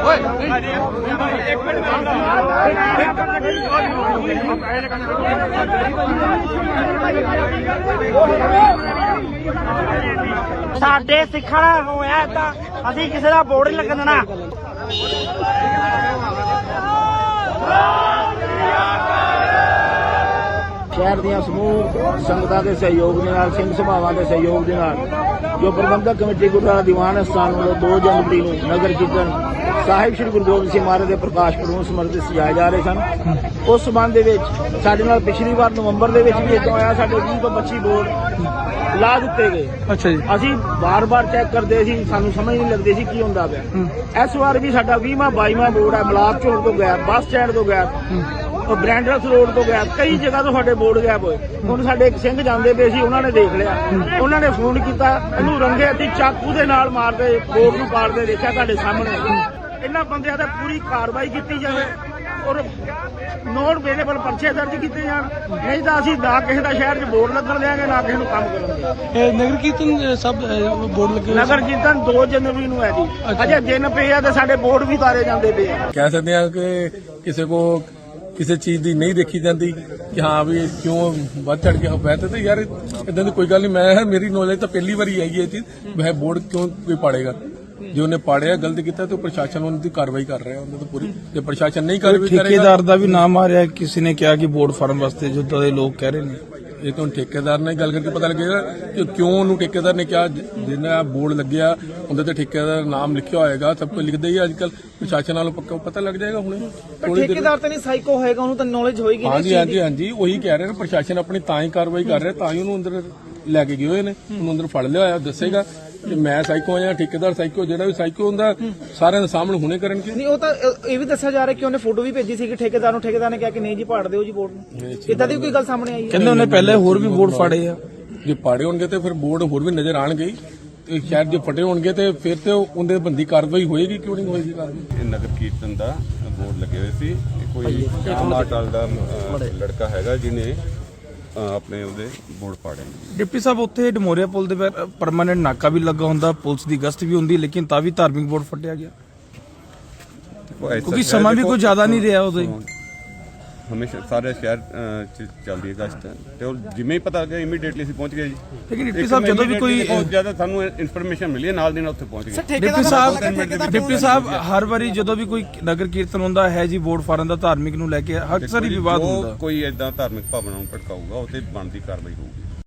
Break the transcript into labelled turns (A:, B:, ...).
A: ਸਾਡੇ ਸਿੱਖਣਾ ਹੋਇਆ ਤਾਂ ਅਸੀਂ ਕਿਸੇ ਦਾ ਬੋਰਡ ਨਹੀਂ ਲੱਗਣ ਦੇਣਾ।
B: ਸ਼ਹਿਰ ਦੀਆਂ ਸਮੂਹ ਸੰਗਤਾਂ ਦੇ ਸਹਿਯੋਗ ਦੇ ਨਾਲ, ਸਿੰਘ ਸਭਾਵਾਂ ਦੇ ਸਹਿਯੋਗ ਦੇ ਨਾਲ ਜੋ ਪ੍ਰਬੰਧਕ ਕਮੇਟੀ ਗੁਰਦੁਆਰਾ ਦੀਵਾਨ ਅਸਥਾਨ ਵੱਲੋਂ 2 ਜਨਵਰੀ ਨੂੰ ਨਗਰ ਕੀਰਤਨ ਸਾਹਿਬ ਸ੍ਰੀ ਗੁਰੂ ਗੋਬਿੰਦ ਸਿੰਘ ਮਹਾਰਾਜ ਦੇ ਪ੍ਰਕਾਸ਼ ਪੁਰਬ ਸਮਰਪਿਤ ਸਜਾਏ ਜਾ ਰਹੇ ਸਨ। ਉਸ ਸੰਬੰਧ ਦੇ ਵਿੱਚ ਸਾਡੇ ਨਾਲ ਪਿਛਲੀ ਵਾਰ ਨਵੰਬਰ ਦੇ ਵਿੱਚ ਵੀ ਇਦਾਂ ਹੋਇਆ, ਸਾਡੇ 20 ਤੋਂ 25 ਬੋਰਡ ਲਾ ਦਿੱਤੇ ਗਏ। ਅੱਛਾ ਜੀ। ਅਸੀਂ ਬਾਰ-ਬਾਰ ਚੈੱਕ ਕਰਦੇ ਸੀ, ਸਾਨੂੰ ਸਮਝ ਨਹੀਂ ਲੱਗਦੀ ਸੀ ਕੀ ਹੁੰਦਾ ਪਿਆ। ਇਸ ਵਾਰ ਵੀ ਸਾਡਾ 20ਵਾਂ 22ਵਾਂ ਬੋਰਡ ਹੈ, ਮਲਾਪ ਚੌਂਕ ਤੋਂ ਗਿਆ, ਬੱਸ ਸਟੈਂਡ ਤੋਂ ਗਿਆ, ਬ੍ਰੈਂਡਰਸ ਰੋਡ ਤੋਂ ਗਿਆ, ਕਈ ਜਗ੍ਹਾ ਤੋਂ ਸਾਡੇ ਬੋਰਡ ਗਾਇਬ ਹੋਏ। ਹੁਣ ਸਾਡੇ ਇੱਕ ਸਿੰਘ ਜਾਂਦੇ ਪਏ ਸੀ, ਉਹਨਾਂ ਨੇ ਦੇਖ ਲਿਆ, ਉਹਨਾਂ ਨੇ ਫੋਨ ਕੀਤਾ, ਇਹਨੂੰ ਰੰਗੇ ਹੱਥੀਂ ਚਾਕੂ ਦੇ ਨਾਲ ਮਾਰਦੇ ਬੋਰਡ ਨੂੰ ਪਾੜਦੇ ਦੇਖਿਆ ਤੁਹਾਡੇ ਸਾਹਮਣੇ। ਇਹਨਾਂ ਬੰਦਿਆਂ ਤੇ ਪੂਰੀ ਕਾਰਵਾਈ ਕੀਤੀ ਜਾਵੇ ਔਰ ਨੋਟ ਵੇਲੇਬਲ ਪਰਚੇ ਦਰਜ ਕੀਤੇ ਜਾਣ, ਨਹੀਂ ਤਾਂ ਅਸੀਂ ਨਾ ਕਿਸੇ ਦਾ ਸ਼ਹਿਰ 'ਚ ਬੋਰਡ ਲੱਗਣ ਦਿਆਂਗੇ, ਨਾ ਕਿਸੇ ਨੂੰ ਕੰਮ ਕਰਨ ਦਿਆਂਗੇ।
C: ਨਗਰ ਕੀਰਤਨ ਸਭ ਬੋਰਡ ਲੱਗੇ,
B: ਨਗਰ ਕੀਰਤਨ 2 ਜਨਵਰੀ ਨੂੰ ਹੈ ਜੀ। ਅਜੇ ਦਿਨ ਪਏ ਆ ਤੇ ਸਾਡੇ ਬੋਰਡ ਵੀ ਤਾਰੇ ਜਾਂਦੇ ਪਏ ਆ।
D: ਕਹਿ ਸਕਦੇ ਆ ਕਿ ਕਿਸੇ ਕੋ ਕਿਸੇ ਚੀਜ਼ ਦੀ ਨਹੀਂ ਦੇਖੀ ਜਾਂਦੀ ਕਿ ਹਾਂ ਵੀ ਕਿਉਂ ਵੱਧ ਚੜ ਕੇ ਬਹਿਤੇ ਤੇ ਯਾਰ ਇਦਾਂ ਦੀ ਕੋਈ ਗੱਲ ਨਹੀਂ। ਮੈਂ ਮੇਰੀ ਨੌਲੇਜ ਤਾਂ ਪਹਿਲੀ ਵਾਰੀ ਆਈ ਹੈ ਇਹ ਚੀਜ਼, ਵह ਬੋਰਡ ਕਿਉਂ ਕੋਈ ਪਾੜੇਗਾ। ਜੇ ਉਹਨੇ ਪਾੜਿਆ ਗਲਤ ਕੀਤਾ ਤੇ ਪ੍ਰਸ਼ਾਸਨ ਉਹਨਾਂ ਦੀ ਕਾਰਵਾਈ ਕਰ ਰਿਹਾ, ਉਹਨਾਂ ਤੋਂ ਪੂਰੀ। ਜੇ ਪ੍ਰਸ਼ਾਸਨ ਨਹੀਂ ਕਾਰਵਾਈ ਕਰੇਗਾ,
C: ਠੇਕੇਦਾਰ ਦਾ ਵੀ ਨਾਮ ਆ ਰਿਹਾ, ਕਿਸੇ ਨੇ ਕਿਹਾ ਕਿ ਬੋਰਡ ਫਾਰਮ ਵਾਸਤੇ ਜਿੱਦਾਂ ਦੇ ਲੋਕ ਕਹਿ ਰਹੇ ਨੇ।
D: ਇਹ ਤਾਂ ਠੇਕੇਦਾਰ ਨਾਲ ਗੱਲ ਕਰਕੇ ਪਤਾ ਲੱਗੇਗਾ ਕਿ ਕਿਉਂ ਉਹਨੂੰ ਠੇਕੇਦਾਰ ਨੇ ਕਿਹਾ। ਜਿਹਨਾਂ ਬੋਰਡ ਲੱਗਿਆ ਉਹਦੇ ਤੇ ਠੇਕੇਦਾਰ ਨਾਮ ਲਿਖਿਆ ਹੋਏਗਾ, ਸਭ ਕੁਝ ਲਿਖਦੇ ਹੀ ਅੱਜ ਕੱਲ। ਪ੍ਰਸ਼ਾਸਨ ਨਾਲੋਂ ਪੱਕਾ ਪਤਾ ਲੱਗ ਜਾਏਗਾ ਹੁਣੇ।
A: ਠੇਕੇਦਾਰ ਤਾਂ ਨਹੀਂ ਸਾਈਕੋ ਹੋਏਗਾ, ਉਹਨੂੰ ਤਾਂ ਨੌਲੇਜ ਹੋਏਗੀ।
D: ਹਾਂਜੀ ਉਹੀ ਕਹਿ ਰਹੇ ਨੇ, ਪ੍ਰਸ਼ਾਸਨ ਆਪਣੀ ਤਾਂ ਹੀ ਕਾਰਵਾਈ ਕਰ ਰਿਹਾ, ਤਾਂ ਹੀ ਉਹਨੂੰ ਅੰਦਰ ਲੈ ਕੇ ਗਏ ਹੋਏ ਨੇ। ਉਹਨੂੰ ਅੰਦਰ ਫੜ ਲਿਆ ਹੋਇਆ, ਦੱਸੇਗਾ ਕਿ ਮੈਂ ਸਾਈਕੋ ਆ ਜਾਂ ਠੇਕੇਦਾਰ ਸਾਈਕੋ। ਜਿਹੜਾ ਵੀ ਸਾਈਕੋ ਹੁੰਦਾ ਸਾਰਿਆਂ ਦੇ ਸਾਹਮਣੇ ਹੁਣੇ ਕਰਨਗੇ।
A: ਨਹੀਂ, ਉਹ ਤਾਂ ਇਹ ਵੀ ਦੱਸਿਆ ਜਾ ਰਿਹਾ ਕਿ ਉਹਨੇ ਫੋਟੋ ਵੀ ਭੇਜੀ ਸੀ ਕਿ ਠੇਕੇਦਾਰ ਨੂੰ, ਠੇਕੇਦਾਰ ਨੇ ਕਿਹਾ ਕਿ ਨਹੀਂ ਜੀ ਪਾੜ ਦਿਓ ਜੀ ਬੋਰਡ ਨੂੰ। ਇਦਾਂ ਦੀ ਕੋਈ ਗੱਲ ਸਾਹਮਣੇ ਆਈ ਹੈ?
C: ਕਹਿੰਦੇ ਉਹਨੇ ਪਹਿਲੇ ਹੋਰ ਵੀ ਬੋਰਡ ਫਾੜੇ ਆ।
D: ਜੇ ਪਾੜੇ ਹੋਣਗੇ ਤੇ ਫਿਰ ਬੋਰਡ ਹੋਰ ਵੀ ਨਜ਼ਰ ਆਣਗੇ। ਤੇ ਸ਼ਾਇਦ ਜੇ ਫਟੇ ਹੋਣਗੇ ਤੇ ਫਿਰ ਤੇ ਉਹਦੇ ਬੰਦੀ ਕਾਰਵਾਈ ਹੋਏਗੀ, ਕਿਉਂ ਨਹੀਂ ਹੋਏਗੀ ਕਾਰਵਾਈ।
E: ਇਹ ਨਗਰ ਕੀਰਤਨ ਦਾ ਬੋਰਡ ਲੱਗੇ ਹੋਏ ਸੀ। ਕੋਈ ਆਮ ਅਕਾਲ ਦਾ ਲੜਕਾ ਹੈਗਾ ਜਿਹਨੇ ਆਪਣੇ ਉਹਦੇ ਬੋਰਡ ਪਾੜੇ।
C: ਡਿਪਟੀ ਸਾਹਿਬ, ਉੱਥੇ ਡਮੋਰੀਆ ਪੁਲ ਦੇ ਪਰਮਾਨੈਂਟ ਨਾਕਾ ਵੀ ਲੱਗਾ ਹੁੰਦਾ, ਪੁਲਿਸ ਦੀ ਗਸ਼ਤ ਵੀ ਹੁੰਦੀ, ਲੇਕਿਨ ਤਾਂ ਵੀ ਧਾਰਮਿਕ ਬੋਰਡ ਫਟਿਆ ਗਿਆ ਕਿਉਂਕਿ ਸਮਾਂ ਵੀ ਕੋਈ ਜ਼ਿਆਦਾ ਨਹੀਂ ਰਿਹਾ ਉਦੋਂ।
E: ਹਮੇਸ਼ਾ ਸਾਰੇ ਸ਼ਹਿਰ ਚ ਚੱਲਦੀ ਹੈ ਗਸ਼ਤ, ਤੇ ਉਹ ਜਿਵੇਂ ਹੀ ਪਤਾ ਲੱਗਿਆ ਇਮੀਡੀਏਟਲੀ ਅਸੀਂ ਪਹੁੰਚ ਗਏ ਜੀ।
C: ਲੇਕਿਨ ਡਿਪਟੀ ਸਾਹਿਬ, ਜਦੋਂ ਵੀ ਕੋਈ
E: ਬਹੁਤ ਜ਼ਿਆਦਾ ਸਾਨੂੰ ਇਨਫੋਰਮੇਸ਼ਨ ਮਿਲੀ ਹੈ, ਨਾਲ ਦੀ ਨਾਲ ਉੱਥੇ ਪਹੁੰਚ ਗਏ।
C: ਡਿਪਟੀ ਸਾਹਿਬ ਹਰ ਵਾਰੀ ਜਦੋਂ ਵੀ ਕੋਈ ਨਗਰ ਕੀਰਤਨ ਹੁੰਦਾ ਹੈ ਜੀ, ਬੋਰਡ ਫਾਰਨ ਦਾ ਧਾਰਮਿਕ ਨੂੰ ਲੈ ਕੇ ਅਕਸਰ ਹੀ ਵਿਵਾਦ ਹੁੰਦਾ।
E: ਕੋਈ ਏਦਾਂ ਧਾਰਮਿਕ ਭਾਵਨਾ ਨੂੰ ਭੜਕਾਊਗਾ, ਉਹ ਤੇ ਬਣਦੀ ਕਾਰਵਾਈ ਹੋਊਗੀ।